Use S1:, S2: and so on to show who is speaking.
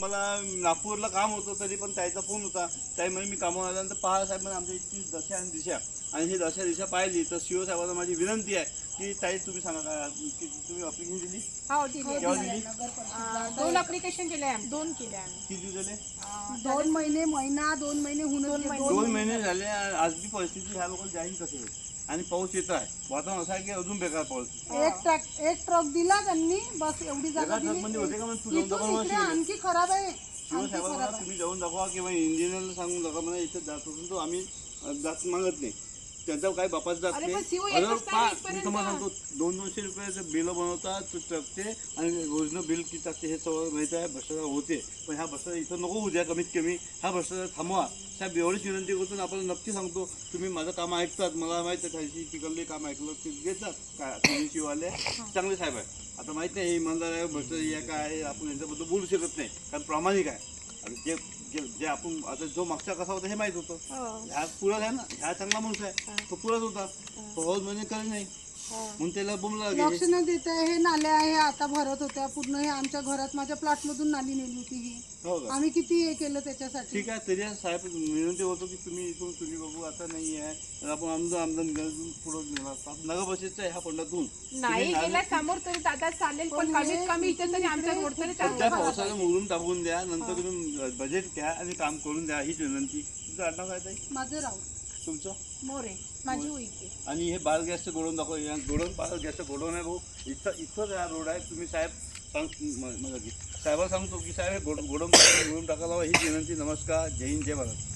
S1: मला नागपूरला काम होतं, तरी पण त्याचा फोन होता. त्यामुळे मी कामावर आल्यानंतर पहा साहेब म्हणजे आमच्या इतकी दशा आणि दिशा, आणि ही दशा दिशा पाहिली तर सीओ साहेबांना माझी विनंती आहे की ताई तुम्ही सांगा काय की तुम्ही अप्लिकेशन दिली,
S2: हो दिली.
S1: केव्हा दिली,
S2: 2 ऍप्लिकेशन केले आम्ही. 2 केले आम्ही.
S1: किती दिवस झाले?
S3: 2 महिने, महिना 2 महिने होऊन
S1: 2 महिने झाले. आज बी परिस्थिती ह्या लोकांना जाहीर कशी होईल, आणि पाऊस येत आहे, वातावरण असं आहे की अजून बेकार पाऊस.
S3: एक ट्रक दिला त्यांनी, बस एवढी जागा
S1: एका ट्रकमध्ये होते का? म्हणजे तू जाऊन दाखवा
S3: इकडे आणखी खराब आहे.
S1: शिव साहेबांना तुम्ही जाऊन दाखवा किंवा इंजिनियरला सांगून दाखवा मला इथं जात असून तो आम्ही जात मागत नाही, त्यांचा काही बापाच जात नाही. मी तुम्हाला सांगतो 200-200 रुपयाचे बिल बनवतात ट्रकचे, आणि ओरिजिनल बिल किती टाकते हे सगळं माहिती आहे. भ्रष्टाचार होते, पण ह्या भ्रष्टाचार इथं नको होऊ द्या. कमीत कमी हा भ्रष्टाचार थांबवा साहेब, एवढीच विनंती करतो. आपण नक्की सांगतो तुम्ही माझं काम ऐकतात, मला माहिती आहे त्याशी तिकडले काम ऐकलं ते घेतात काय तुम्ही शिवाले चांगले साहेब आहे. आता माहिती नाही हे इमानदार आहे भ्रष्टाचार आहे काय आहे, आपण यांच्याबद्दल बोलू शकत नाही कारण प्रामाणिक आहे. आणि जे जे जे आपण आता जो मागचा कसा होता हे माहीत होतं, ह्या पुराच आहे ना, ह्या चांगला माणूस आहे, तो पुराच होता, तो हौस म्हणजे काही नाही म्हणून त्याला बोंबला
S3: लक्ष न देत आहे. हे नाल्या आहे आता भरत होत्या पूर्ण, हे आमच्या घरात माझ्या प्लॉट मधून नाली नेली होती ही.
S1: हो का?
S3: आम्ही किती हे केलं त्याच्यासाठी.
S1: ठीक आहे, तरी साहेब विनंती होतो की तुम्ही इथून तुम्ही बघू आता नाही आहे तर आपण आमदार निघाल पुढे नेणार नगर बसेसचा ह्या फंडातून
S2: नाही गेल्या समोर तरी दादा चालेल, पण कमीत कमी इथे तरी आमच्या रोड तरी
S1: सध्या पावसाला मोडून टाकून द्या, नंतर तुम्ही बजेट घ्या आणि काम करून द्या, हीच विनंती. तुमचं आडनाव काय ताई?
S3: माझं राहू
S1: तुमचं?
S2: मोरे माझी उईके.
S1: आणि हे बाल गॅसचं गोडवून दाखव. या गोडवून बाल गॅसचं गोडवून आहे भाऊ, इथंच हा रोड आहे. तुम्ही साहेब साहेबाला सांगतो की साहेब हे गोडवून टाकायला हीच विनंती. नमस्कार, जय हिंद, जय भारत.